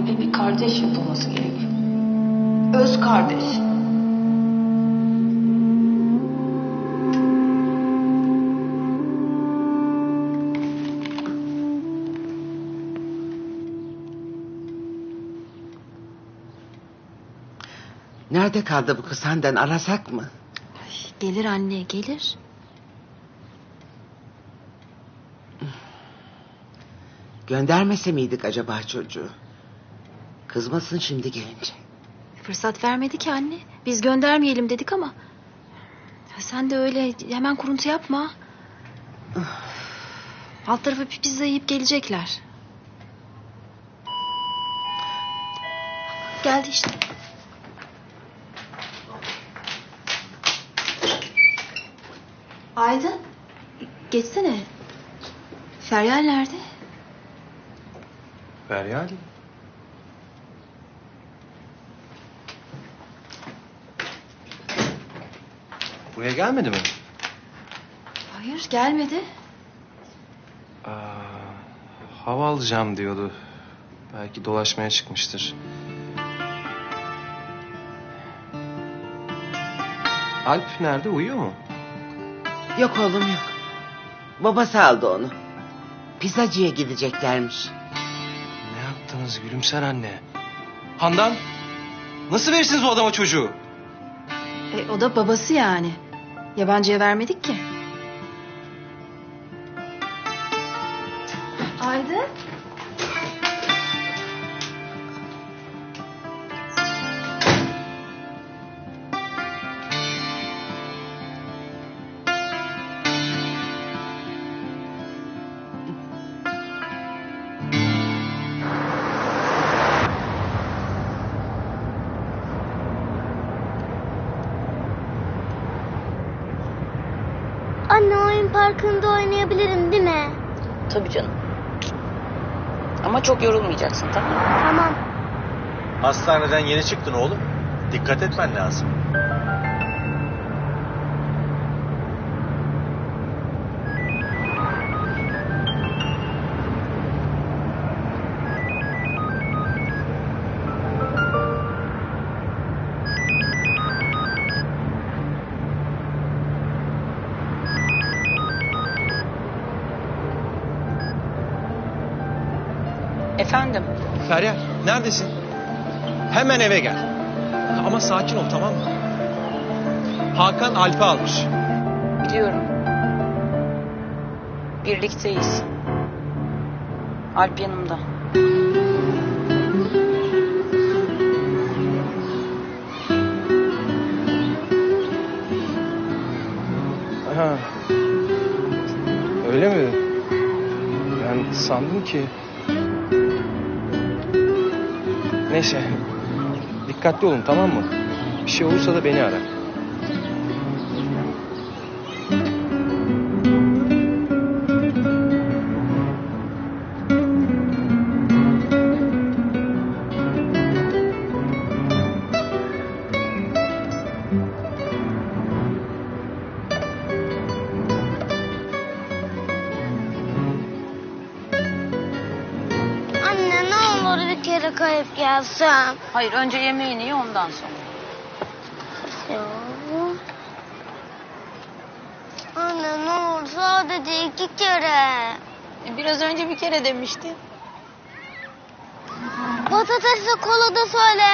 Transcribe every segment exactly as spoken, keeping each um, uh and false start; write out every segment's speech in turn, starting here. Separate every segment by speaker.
Speaker 1: Alp'e bir kardeş yapılması gerekiyor. Öz kardeş.
Speaker 2: Nerede kaldı bu kız Handan, arasak mı?
Speaker 3: Ay, gelir anne, gelir.
Speaker 2: Göndermese miydik acaba çocuğu? Kızmasın şimdi gelince.
Speaker 3: Fırsat vermedi ki anne. Biz göndermeyelim dedik ama. Ya sen de öyle hemen kuruntu yapma. Alt tarafı bir pizza yiyip gelecekler. Geldi işte. Aydın. Geçsene. Feryal nerede?
Speaker 4: Feryal? Buraya gelmedi mi?
Speaker 3: Hayır, gelmedi.
Speaker 4: Aa, hava alacağım diyordu. Belki dolaşmaya çıkmıştır. Alp nerede? Uyuyor mu?
Speaker 2: Yok oğlum yok. Babası aldı onu. Pizzacıya gideceklermiş.
Speaker 4: Ne yaptınız Gülümser anne? Handan, nasıl verirsiniz o adama çocuğu?
Speaker 3: E, o da babası yani. Yabancıya vermedik ki. Aydın.
Speaker 5: Anne, oyun parkında oynayabilirim değil mi?
Speaker 6: Tabii canım. Ama çok yorulmayacaksın, tamam mı?
Speaker 5: Tamam.
Speaker 7: Hastaneden yeni çıktın oğlum. Dikkat etmen lazım.
Speaker 6: Efendim?
Speaker 4: Feryal, neredesin? Hemen eve gel. Ama sakin ol, tamam mı? Hakan Alp'i almış.
Speaker 6: Biliyorum. Birlikteyiz. Alp yanımda.
Speaker 4: Ha. Öyle mi? Ben sandım ki... Neyse. Dikkatli olun, tamam mı? Bir şey olursa da beni ara.
Speaker 5: Anne, ne olur bir kere kayıp gelsem.
Speaker 6: Hayır, önce yemeğini ye, ondan sonra.
Speaker 5: Ya. Anne, ne olur sadece iki kere.
Speaker 6: E, biraz önce bir kere demiştin.
Speaker 5: Patatesle kola da söyle.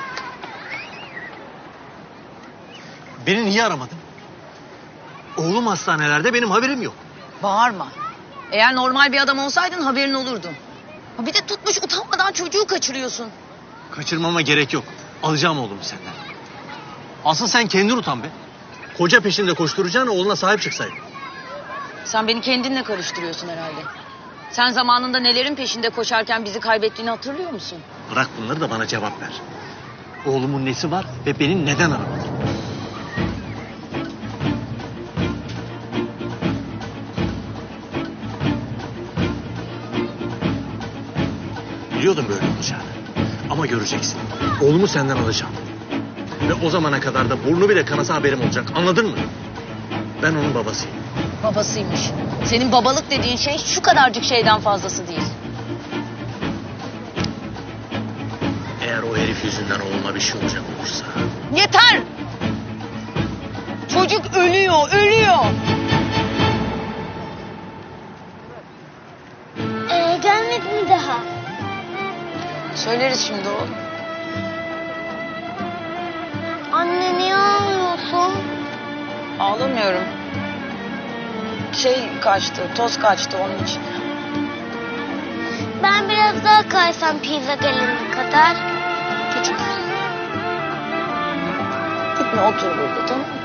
Speaker 7: Beni niye aramadın? Oğlum hastanelerde, benim haberim yok.
Speaker 6: Bağırma. Eğer normal bir adam olsaydın haberin olurdu. Ha, bir de tutmuş utanmadan çocuğu kaçırıyorsun.
Speaker 7: Kaçırmama gerek yok. Alacağım oğlumu senden. Asıl sen kendin utan be. Koca peşinde koşturacağına oğluna sahip çıksaydın.
Speaker 6: Sen beni kendinle karıştırıyorsun herhalde. Sen zamanında nelerin peşinde koşarken bizi kaybettiğini hatırlıyor musun?
Speaker 7: Bırak bunları da bana cevap ver. Oğlumun nesi var ve beni neden aramadın? Biliyordum böyle olacağını. Ama göreceksin. Oğlumu senden alacağım. Ve o zamana kadar da burnu bile kanasa haberim olacak. Anladın mı? Ben onun babasıyım.
Speaker 6: Babasıymış. Senin babalık dediğin şey şu kadarcık şeyden fazlası değil.
Speaker 7: Elif yüzünden oğluma bir şey olacak olursa.
Speaker 6: Yeter! Çocuk ölüyor, ölüyor.
Speaker 5: Ee, gelmedi mi daha?
Speaker 6: Söyleriz şimdi oğlum.
Speaker 5: Anne niye ağlıyorsun?
Speaker 6: Ağlamıyorum. Şey kaçtı, toz kaçtı onun için.
Speaker 5: Ben biraz daha kaysam pizza gelene kadar.
Speaker 6: Küçük. Gitme otur burada, tamam mı?